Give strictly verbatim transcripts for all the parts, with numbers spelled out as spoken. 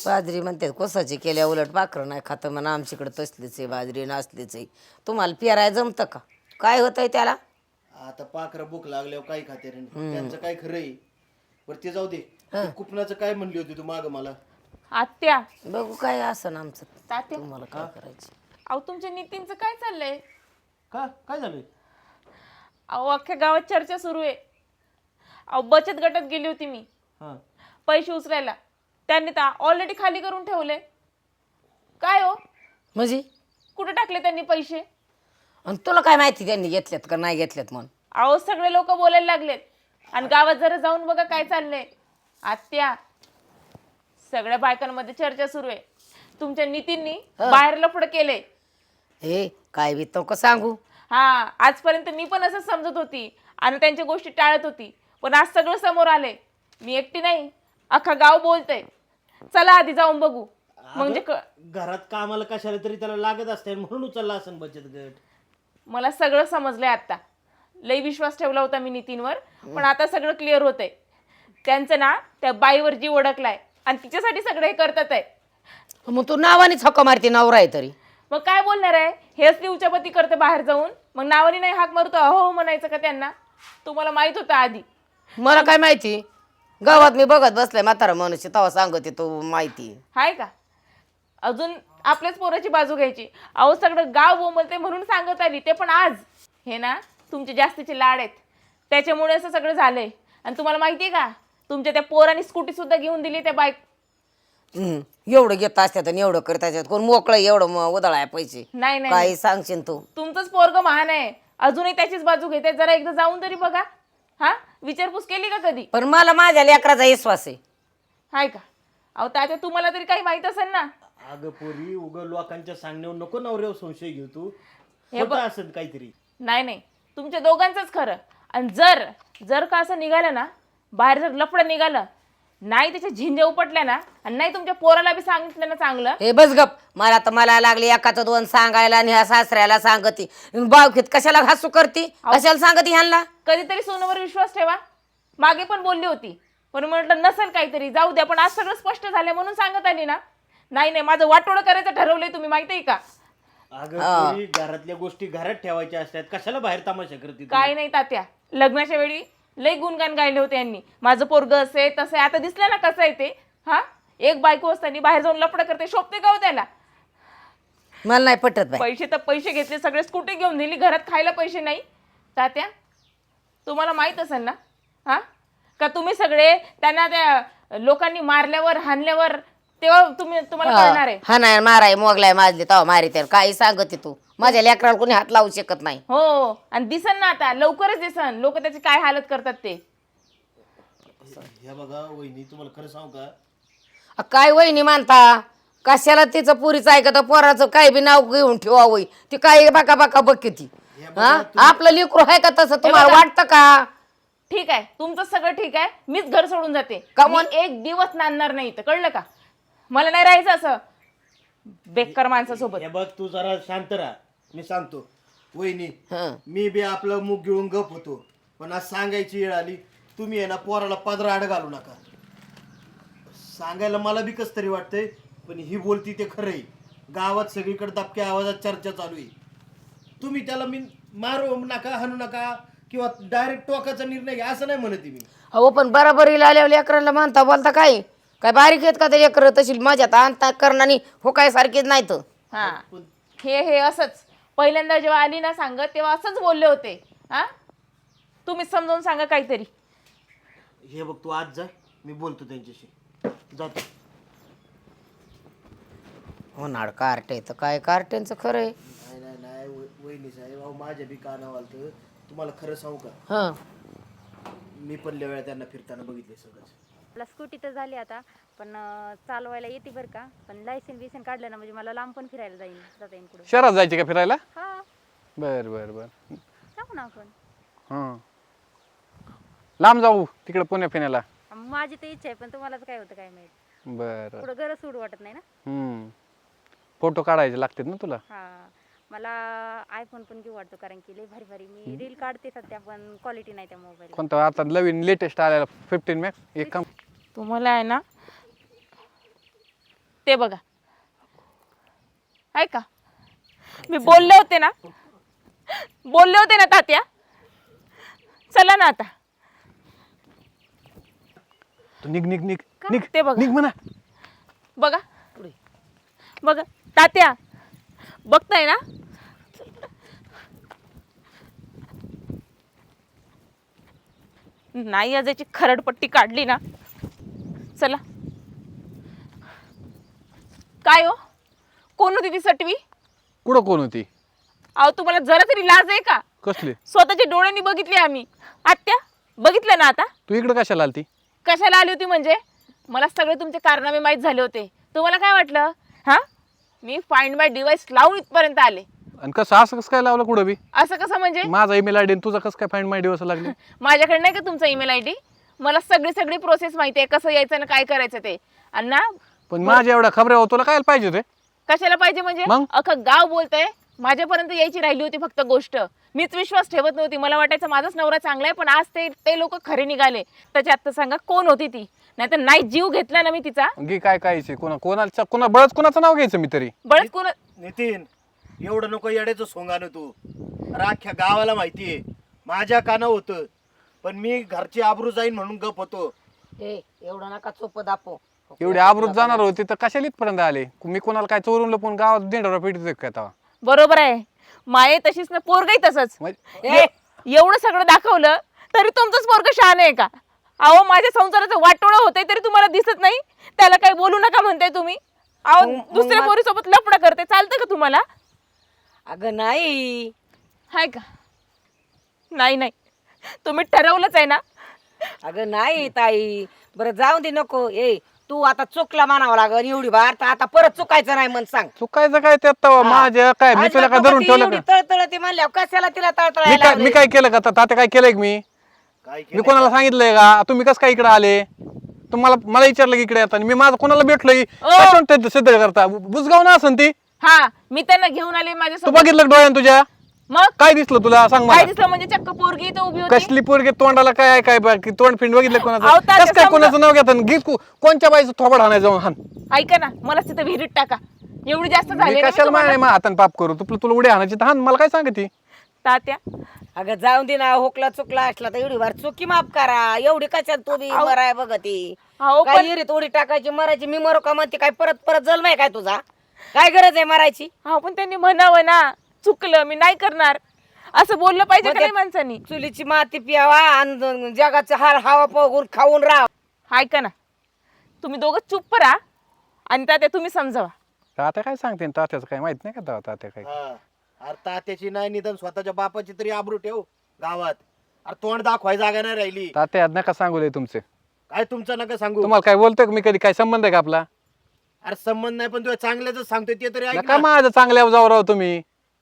बाजरी म्हणते कोसाची केल्या उलट पाखरं नाही खातं म्हणा आमच्याकडे तसलीच आहे बाजरी नासलीच आहे. तुम्हाला पेराय जमतं का? काय होतंय त्याला? आता पाखरं भूक लागल्यावर काय खाते रे त्यांचं काय खरं आहे. बरं ते जाऊ दे. ते कुपनाचं काय म्हणली होती तू माग मला? आत्या बघू काय असं ना आमचं. तात्या तुम्हाला काय करायचं? अहो तुमच्या नितीनचं काय चाललंय? का काय झालं? अहो अख्ख्या गावात चर्चा सुरू आहे. अहो बचत गटात गेली होती मी हा पैसे उचलायला, त्यांनी तर ऑलरेडी खाली करून ठेवले. काय हो म्हणजे कुठे टाकले त्यांनी पैसे? आणि तुला काय माहिती त्यांनी घेतल्यात का नाही घेतल्यात म्हणून? अहो सगळे लोक बोलायला लागलेत आणि गावात जरा जाऊन बघा काय चाललंय. आत्या सगळ्या बायकांमध्ये चर्चा सुरू आहे. तुमच्या नितीननी बाहेर लफडं केलंय. हे काय बी तो सांगू? हा आजपर्यंत मी पण असंच समजत होती आणि त्यांच्या गोष्टी टाळत होती, पण आज सगळं समोर आलंय. मी एकटी नाही, अख्खा गाव बोलतय. चला आधी जाऊन बघू. म्हणजे घरात कामाला कशाला तरी त्याला लागत असते म्हणून उचलला असेल बचत गट. मला सगळं समजलंय आता. लई विश्वास ठेवला होता मी नितीनवर, पण आता सगळं क्लिअर होतंय. त्यांचं ना त्या बाईवर जीव अडकलाय आणि तिच्यासाठी सगळं हे करतात आहे. मग तू नावानेच हक्क मारते नवरा आहे तरी. मग काय बोलणार आहे? हेच ती उचापती करते बाहेर जाऊन, मग नावाने नाही हाक मारतो अहो हो म्हणायचं का त्यांना? तुम्हाला माहित होतं आधी? मला काय माहिती? गावात मी बघत बसलाय म्हातारा मनुष्य तेव्हा सांगते तू माहिती हाय का? अजून आपल्याच पोराची बाजू घ्यायची. अहो सगळं गाव बोंबलते म्हणून सांगत आली, ते पण आज. हे ना तुमचे जास्तीचे लाड आहेत त्याच्यामुळे असं सगळं झालंय. आणि तुम्हाला माहिती आहे का, तुमच्या त्या पोराने स्कूटी सुद्धा घेऊन दिली त्या बाईक. हम्म एवढं घेत असतात आणि एवढं करत असतात. कोण मोकळं एवढं उधळाय पैसे? नाही नाही काही सांगशील तू? तुमचंच पोरग महान आहे, अजूनही त्याचीच बाजू घेते. जरा एकदा जाऊन तरी बघा. हा विचारपूस केली का कधी? पण मला माझ्या लेकराचा विश्वास आहे. हाय का? अहो तात्या तुम्हाला तरी काही माहित असेल ना. अगं पोरी उग लोकांच्या सांगण्यावर नको नवऱ्यावर संशय घेऊ तू. हे खोटं असेल काहीतरी. नाही नाही तुमच्या दोघांचंच खरं. आणि जर जर का असं निघालं ना, बाहेर जर लफडं निघालं नाही, त्याच्या झिंज्या उपटल्या ना, आणि नाही तुमच्या पोराला बी सांगितलं ना चांगलं. हे बस गप. मला तर मला लागली एकाचं दोन सांगायला आणि ह्या सासऱ्याला सांगती. बावकीत कशाला हसू करती? कशाला सांगती ह्यांना? कधीतरी सोनूवर विश्वास ठेवा. मागे पण बोलली होती, पण म्हटलं नसेल काहीतरी जाऊ द्या. पण आज सगळं स्पष्ट झालं म्हणून सांगत आली ना. नाही नाही माझं वाटोळं करायचं ठरवलंय तुम्ही, माहिती आहे का? अगं पोरी घरातल्या गोष्टी घरात ठेवायच्या असतात, कशाला बाहेर तमाशा करते तू? काय नाही तात्या, लग्नाच्या वेळी लई गुणगान गायले होते यांनी. माझं पोरगं असे तसं. आता दिसलं ना कसं आहे ते. हा एक बायको असताना बाहेर जाऊन लफडं करते, शोभते का हो त्याला? मला नाही पटत बाई. पैसे तर पैसे घेतले, सगळे स्कूटी घेऊन दिली, घरात खायला पैसे नाही. तात्या तुम्हाला माहित असेल ना हा का, तुम्ही सगळे त्यांना त्या लोकांनी मारल्यावर हाणल्यावर तेव्हा तुम्ही तुम्हाला कळणार आहे. हा नाही माराय मोगलाय माजले तेव्हा मारी तर काही सांगते तू? माझ्या लेकराला कोणी हात लावू शकत नाही. हो आणि दिसन ना आता लवकरच दिसन लोक त्याची काय हालत करतात ते. हे बघा वहिनी तुम्हाला खरं सांगू का, अ, काय वहिनी मानता? कशाला तिचं पुरीचं ऐकत पोराचं काय बी नाव घेऊन ठेवा होई. ती काय बाका बाका बघ ती. हा आपलं लेकरू आहे का तसं तुम्हाला वाटतं का? ठीक आहे तुमचं सगळं ठीक आहे, मीच घर सोडून जाते. का मी एक दिवस नांदणार नाही तर कळलं का? मला नाही राहायचं असं बेकार माणसासोबत. हे बघ तू जरा शांत राहा. मी सांगतो वहिनी, हं. मी बी आपलं मुख गिळून गप होतो, पण आज सांगायची वेळ आली. तुम्ही आहे ना पोराला पदरा आड घालू नका. सांगायला मला बी कस तरी वाटतंय, पण ही बोलती ते खरं आहे. गावात सगळीकडे दबक्या आवाजात चर्चा चालू आहे. तुम्ही त्याला मी मारू नका, हाणू नका किंवा डायरेक्ट टोकाचा निर्णय घ्या असं नाही म्हणते मी. अहो पण बराबरीला आल्यावर लेकरांना म्हणता बोलता काय काय बारीक आहेत का ते लेकरं? तशी माझ्यात आणता करणारी हो काय सारखीच नाही तर. हा हे हे असंच पहिल्यांदा जेव्हा आली ना सांगत तेव्हा असंच बोलले होते. हा तुम्ही समजावून सांगा काहीतरी. हे बघ तू आज जा, मी बोलतो त्यांच्याशी. जातो. होणार कार्टे तर काय कार्टेंचं खरं आहे. नाही नाही नाही व- वहिनी साहेब, अहो माझ्या बी कानावर आलतं. तुम्हाला खरं सांगू का, हं मी पण लय वेळा त्यांना फिरताना बघितले सगळंच. मला स्कूटी तर झाली आता, पण अं, चालवायला येते बरं का. पण लायसन बिसन काढलं ना म्हणजे मला लांब पण फिरायला जाईल जाता येईल कुठं. शहरात जायचे का फिरायला? हा बर बर बर. जाऊ ना आपण. हां लांब जाऊ तिकडे पुण्या फिरायला. माझी तर इच्छा आहे, पण तुम्हालाच काय होतं काय माहित. बर. पुढं गरज सोडू वाटत नाही ना. हम्म फोटो काढायचे लागतात ना तुला? हा मला आयफोन पण घेऊ वाटतो, कारण की लय भारी भारी मी रील काढते सध्या, पण क्वालिटी नाही त्या मोबाईल. कोणता आता नवीन लेटेस्ट आलेला फिफ्टीन मॅक्स? एक काम तुम्हाला आहे ना ते बघा. ऐका, मी बोलले होते ना बोलले होते ना तात्या. चला ना आता. तू निघ निघ निघ निघ ते बघा. निघ म्हणा. बघा बघा तात्या, बघताय ना. नाही आज याची खरडपट्टी काढली ना. चला. काय हो, कोण होती ती सटवी? कुठं कोण होती? अहो तुम्हाला जरा तरी लाज आहे का? कसली? स्वतःच्या डोळ्यांनी बघितली आम्ही. आत्या बघितलं ना आता. तू इकडे कशाला आलती? कशाला आली होती म्हणजे मला सगळे तुमचे कारनामे माहीत झाले होते. तुम्हाला काय वाटलं? हा, मी फाइंड माय डिवाइस लावून इथपर्यंत आले. आणि कसं असं कसं काय लावलं कुठं बी? असं कसं म्हणजे? माझा ईमेल आयडी तुझा कसं काय फाइंड माय दिवस लागले? माझ्याकडे नाही का तुमचा ईमेल आय डी? मला सगळी सगळी प्रोसेस माहिती आहे, कसं यायचं ना काय करायचं ते. आणि ना पण माझ्या एवढ्या खबऱ्या हो तुला काय पाहिजे ते? कशाला पाहिजे म्हणजे? मग? अख्खं गाव बोलतंय. माझ्यापर्यंत यायची राहिली होती फक्त गोष्ट. मीच विश्वास ठेवत नव्हती. मला वाटायचं माझाच नवरा चांगला आहे, पण आज ते ते लोक खरे निघाले. त्याच्या आत्ता सांगा कोण होती ती? नाहीतर नाही जीव घेतला ना मी तिचा. घे काय काय कोणा कोणाचा कोणा बळच कोणाचं नाव घ्यायचं मी तरी? बळच कोण? नितीन, एवढं नको येड्याचं सोंगानं तू. राख्या गावाला माहितीये माझ्या काना होतं, पण मी घरची आबरू जाईन म्हणून गप होतो. ए एवढं नका चोप दापो. एवढे आबरूत जाणार होते तर कशाला इथपर्यंत आले? मी कोणाला काय चोरून लपून गावात देणार पेटीत काय तेव्हा? बरोबर आहे. माये तशीच ना, पोरगही तसंच. म्हणजे ए- एवढं सगळं दाखवलं तरी तुमचंच पोरग शहाण आहे का? अहो माझ्या संसाराचं वाटोळं होतंय तरी तुम्हाला दिसत नाही. त्याला काही बोलू नका म्हणताय तुम्ही. अहो मग- मग दुसऱ्या मा- पोरीसोबत लफडं करते, चालतं का तुम्हाला? अगं नाही. हाय का? नाही नाही, तुम्ही ठरवलंच आहे ना. अगं नाही ताई, बरं जाऊ दे नको. ए तू आता चुकला म्हणावं लागल एवढी बार, तर आता परत चुकायचं नाही म्हण सांग. चुकायचं काय त्यात तेव्हा? माझ्या काय मी तुला काय धरून ठेवलं का? तळतळ ते म्हणल्यावर कशाला तिला मी तळतळायला काय मी काय केलं का? तात्या काय केलंय का मी? काय मी केलं? कोणाला सांगितलंय का? तुम्ही कसं काय इकडे आले? तुम्हाला मला विचारलं की इकडे येतात. मी माझं कोणाला भेटलोय सिद्ध करता? बुजगाव ना असन ती. हा, मी त्यांना घेऊन आले तू माझ्यासोबत. बघितलं डोळ्यान तुझ्या? मग काय दिसलं तुला सांग काय मला? दिसलं म्हणजे? चक्क पोरगी इथं उभी होती. कसली पोरगी तोंडाला काय आहे काय बाकी तोंड फिंड बघितलं अहो, कोणाचं? तात्या कसं काय समजा- कोणाचं नाव घेतात? गीत को- कोणच्या बाईचं थोबड हाणाय जाऊन हान? ऐका ना, मला तिथं विहिरीत टाका. एवढी जास्त मी झाली ना मी कशाला तुम्हाला. माय हातान पाप करू? तुला तुला उड्या हाणायची तर हान. मला काय सांगते? तात्या अगं जाऊन दे ना. होकला चुकला असला तर एवढी बार चुकी माफ करा. एवढी कशात तू बी अहो. मराय बघती. अहो काय पण इरीत उडी टाकायची मरायची? मी मरो का म्हणते? काय परत परत जन्म आहे काय तुझा? काय गरज आहे मरायची? अहो पण त्यांनी म्हणावं ना, चुकलं मी नाही करणार, असं बोललं पाहिजे का नाही माणसानी? चुलीची माती पियावा आणि जगाचा हार हवा बघून खाऊन राहा. ऐका ना, तुम्ही दोघं चुप राहा आणि तात्या तुम्ही समजावा. तात्या काय सांगते? तात्याचं काय माहित नाही का तेव्हा? तात्या काय हा. अरे तात्याची नाही निदान स्वतःच्या बापाची तरी आबरू ठेव गावात. अरे तोंड दाखवाय जागा नाही राहिली. तात्या नका सांगू लय तुमचे. काय तुमचं नका सांगू. तुम्हाला काय बोलतोय का मी? कधी काय संबंध आहे का आपला? अरे संबंध नाही, पण तुझ्या चांगल्याच सांगतोय ते तरी ऐक नका ना. माझं चांगल्या जाऊ राव तुम्ही.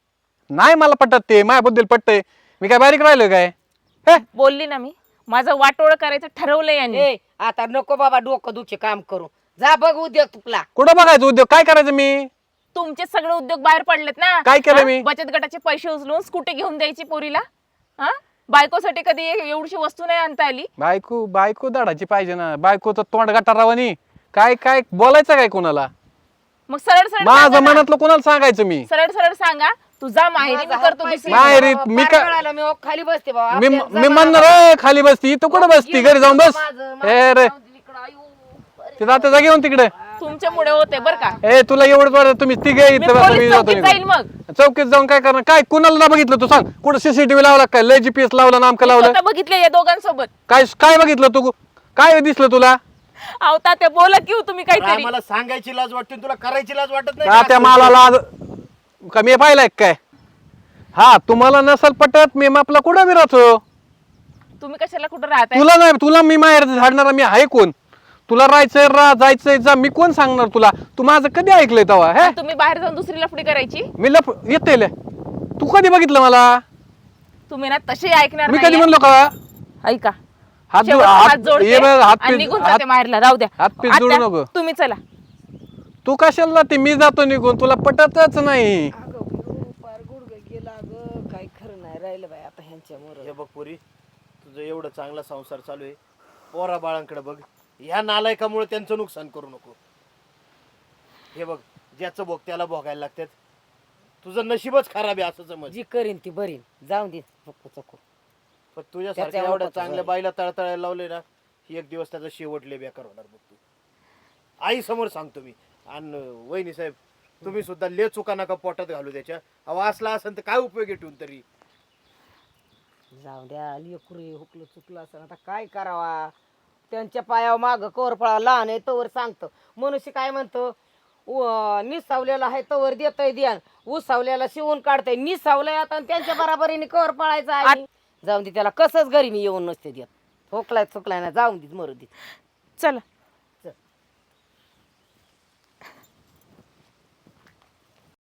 नाही मला पटत ते. माझ्याबद्दल पटतंय. मी काय बारीक राहिलोय काय? हे बोलली ना मी, माझं वाटोळ करायचं ठरवलंय यांनी. ए आता नको बाबा डोकं दुखे काम करू. जा बघ उद्योग तुला. कुठं बघायचं उद्योग? काय करायचं मी? तुमचे सगळे उद्योग बाहेर पडलेत ना. काय केलं हा? मी? बचत गटाचे पैसे उचलून स्कूटी घेऊन द्यायची पोरीला. हा, बायकोसाठी कधी ए- एवढीशी वस्तू नाही आणता आली. बायको बायको दाडाची पाहिजे ना. बायकोचं तोंड गटारावानी. काय काय बोलायचं काय कोणाला? मग सरळ सरळ माझं सांगा ना. मनातलं कोणाला सांगायचं मी? सरळ सरळ सांगा, तुझा माहेरी मी करतो दुसरी. माहेरी मी का- कळालं, मी खाली बसते बाबा. मी आपल्याला मी जमा- म्हणणार "ए, खाली बसती तू कुठं बसती? घरी जाऊन बस." माझं- ए रे ते जाते जा घेऊन तिकडे. तुमच्यामुळे होते बर का. ए तुला एवढंच वाटत तुम्ही तिघे मी इथं बसा, मी पोलीस जातो चौकीत जाईल निघून. मग. चौकीत जाऊन काय करणार? काय कुणाला ना बघितलं तू सांग? कुठं सीसीटीव्ही लावला काय? लय जीपीएस लावला नामकं लावलं? स्वतः बघितले या दोघांसोबत. काय काय बघितलं तू? काय दिसलं तुला? अहो तात्या बोला की हो तुम्ही अरे काहीतरी. आम्हाला सांगायची लाज वाटते, तुला करायची लाज वाटत का नाही त्या का? माला लाज का मी पाहिलाय काय? हा तुम्हाला नसल पटत मी आपला कुठं बी राहतो. तुम्ही कशाला कुठं राहताय? तुला नाही तुला मी माहेर झाडणारा मी आहे कोण? तुला राहायचंय राह जायचंय जा. मी कोण सांगणार तुला? तू माझं कधी ऐकलंय तेव्हा? हे आणि तुम्ही बाहेर जाऊन दुसरी लफडी करायची. मी लप येते ले. तू कधी बघितलं मला? तुम्ही ना तशी ऐकणार मी कधी नाहीये. म्हणलो का? ऐका, हात शेवटचा हात हात जोडते ये बघ, हात आणि पीस निघून हात जाते माहेरला. राहू द्या हात पीस जोडू आत्या, नको. तुम्ही चला. तू कशाला जाते? मी जातो निघून. तुला पटतच नाही. पार गुडघे गेला ग. काय खरं नाही राहिलं बाई आता ह्यांच्यामुळे. हे बघ पुरी, तुझं एवढं चांगला संसार चालू आहे, पोरा बाळांकडे बघ. ह्या नालायकामुळे त्यांचं नुकसान करू नको. हे बघ, ज्याचं भोग त्याला भोगायला लागतात. तुझं नशीबच खराब आहे असं समज. जी करीन ती बरीन, जाऊन दे चुकू चुकू. पण तुझ्यासारख्या त्याच्या एवढ्या वरच चांगल्या आहे. बाईला तळतळायला लावले ना, ही एक दिवस त्याचा शेवटले बेकार होणार बघ तू. आई समोर सांगतो मी. आणि वहिनी साहेब, तुम्ही सुद्धा ले चुका नका पोटात घालू त्याच्या. अहो असला असेल तर काय उपयोग आहे ठेवून तरी. जाऊ द्या, लेकरू हुकलं चुकलं असं आता काय करावा. त्यांच्या पायावर माग कवर पळा, लहान आहे तवर सांगतं. मनुष्य काय म्हणतो, उ- निसावलेला आहे तवर देतय द्या, उसावल्याला शिवून काढतय. निसावलंय आता आणि त्यांच्या बराबरीने कवर पळायचं आहे. जाऊन दे त्याला, कसंच घरी मी येऊन नसते देत. ठोकलाय चुकलाय ना, जाऊन दे मरू दे. चला